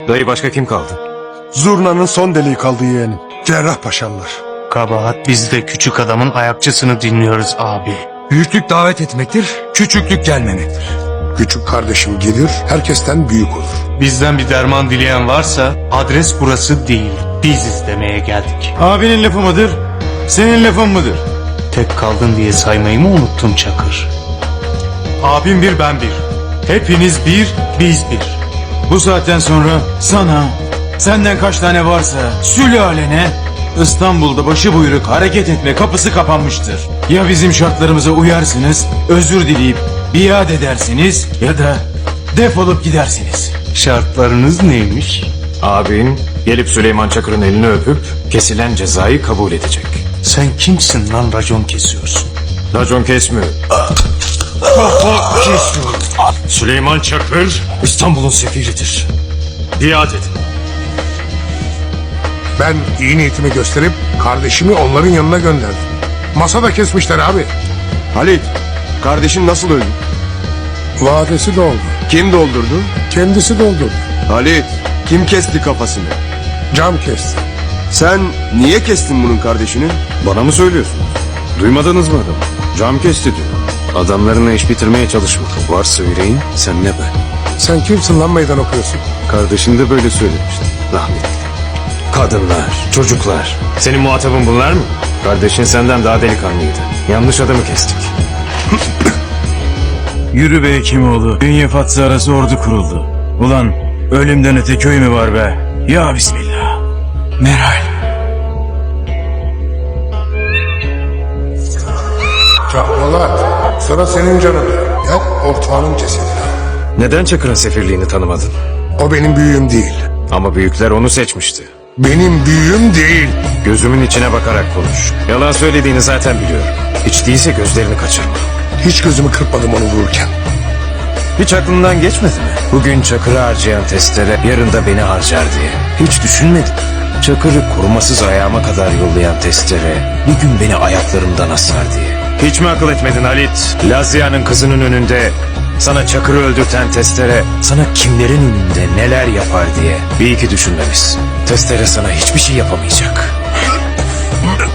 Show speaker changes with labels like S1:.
S1: Dayı başka kim kaldı?
S2: Zurna'nın son deliği kaldı yeğenim. Cerrahpaşalılar.
S3: Kabahat bizde küçük adamın ayakçısını dinliyoruz abi.
S4: Büyüklük davet etmektir, küçüklük gelmemektir.
S2: Küçük kardeşim gelir, herkesten büyük olur.
S3: Bizden bir derman dileyen varsa adres burası değil. Biziz demeye geldik.
S5: Abinin lafı mıdır? Senin lafın mıdır?
S3: Tek kaldın diye saymayı mı unuttun Çakır?
S5: Abim bir, ben bir. Hepiniz bir, biz bir. Bu saatten sonra sana, senden kaç tane varsa sülalene İstanbul'da başı buyruk hareket etme kapısı kapanmıştır. Ya bizim şartlarımıza uyarsınız, özür dileyip biat edersiniz ya da defolup gidersiniz.
S3: Şartlarınız neymiş?
S1: Abin gelip Süleyman Çakır'ın elini öpüp kesilen cezayı kabul edecek.
S3: Sen kimsin lan racon kesiyorsun?
S1: Racon kesmiyor. Süleyman Çakır İstanbul'un sefiridir. Biat edin.
S2: Ben iyi niyetimi gösterip kardeşimi onların yanına gönderdim. Masada kesmişler abi.
S6: Halit, kardeşin nasıl öldü?
S2: Vadesi doldu.
S6: Kim doldurdu?
S2: Kendisi doldurdu.
S6: Halit, kim kesti kafasını?
S2: Cam kesti.
S6: Sen niye kestin bunun kardeşini?
S1: Bana mı söylüyorsun? Duymadınız mı adamı? Cam kesti diyor. Adamlarına iş bitirmeye çalışma. Varsa yüreğin sen ne be?
S2: Sen kimsin lan meydan okuyorsun?
S1: Kardeşin de böyle söylemişti. Rahmetli. Kadınlar, çocuklar. Senin muhatabın bunlar mı? Kardeşin senden daha delikanlıydı. Yanlış adamı kestik.
S5: Yürü be Hekimoğlu, Bünye Fatsa arası ordu kuruldu. Ulan ölümden öte köy mü var be? Ya Bismillah. Meral.
S2: Çakmalar. Sıra senin canında. Gel ortağının cesedine.
S1: Neden Çakır'ın sefirliğini tanımadın?
S2: O benim büyüğüm değil.
S1: Ama büyükler onu seçmişti.
S2: Benim büyüğüm değil.
S1: Gözümün içine bakarak konuş. Yalan söylediğini zaten biliyorum. Hiç değilse gözlerini kaçırma.
S2: Hiç gözümü kırpmadım onu vururken.
S1: Hiç aklından geçmedi mi? Bugün Çakır'ı harcayan testere yarın da beni harcar diye. Hiç düşünmedim. Çakır'ı korumasız ayağıma kadar yollayan testere bir gün beni ayaklarımdan asar diye. Hiç mi akıl etmedin Halit? Lazia'nın kızının önünde sana Çakır'ı öldürten testere sana kimlerin önünde neler yapar diye. Bir iki düşünmelisin. Testere sana hiçbir şey yapamayacak.